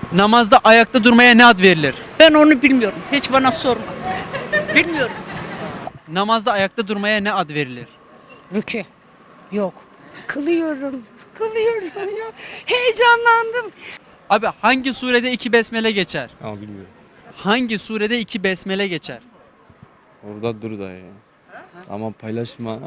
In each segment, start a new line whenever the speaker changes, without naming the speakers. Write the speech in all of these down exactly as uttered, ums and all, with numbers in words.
Namazda ayakta durmaya ne ad verilir?
Ben onu bilmiyorum. Hiç bana sorma. Bilmiyorum.
Namazda ayakta durmaya ne ad verilir?
Rükü. Yok. Kılıyorum. Kılıyorum ya. Heyecanlandım.
Abi hangi surede iki besmele geçer?
Ama bilmiyorum.
Hangi surede iki besmele geçer?
Orada dur da ya. Ama paylaşma.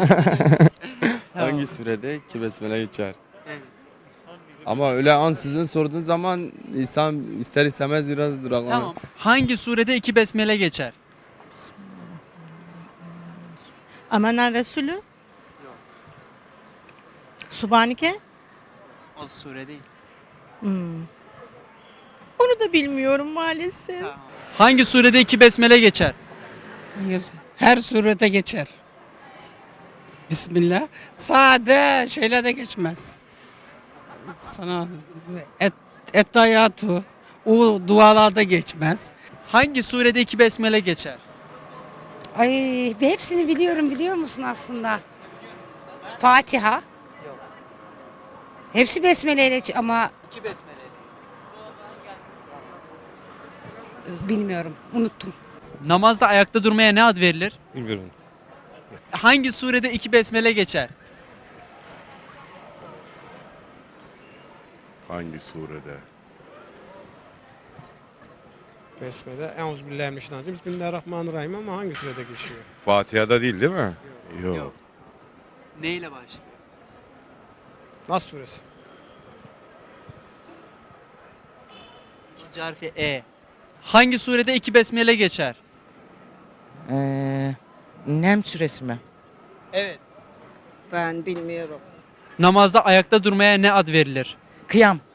Hangi sürede ki besmele geçer? Ama öyle an sizin sorduğun zaman insan ister istemez biraz duraklanır.
Tamam. Hangi surede iki besmele geçer?
Amenna Resulü. Subhaneke.
O sure değil.
Hmm. Onu da bilmiyorum maalesef.
Hangi surede iki besmele geçer?
Her surete geçer. Bismillah. Sade şeyle de geçmez. Sana et, ettayatu o dualarda geçmez.
Hangi surede iki besmele geçer?
Ay hepsini biliyorum biliyor musun aslında? Fatiha. Hepsi besmeleyle ç- ama
İki besmele.
bilmiyorum. Unuttum.
Namazda ayakta durmaya ne ad verilir?
Bilmiyorum.
Hangi surede iki besmele geçer?
Hangi surede?
Besmele. Euzubillahimineşşeytanirracim. Bismillahirrahmanirrahim ama hangi sürede geçiyor?
Fatiha'da değil değil mi? Yok.
Yok. Neyle başlıyor?
Nas suresi.
İkinci harfi E. Hangi surede iki besmele geçer?
Ee, Nem süresi mi?
Evet.
Ben bilmiyorum.
Namazda ayakta durmaya ne ad verilir?
Kıyam.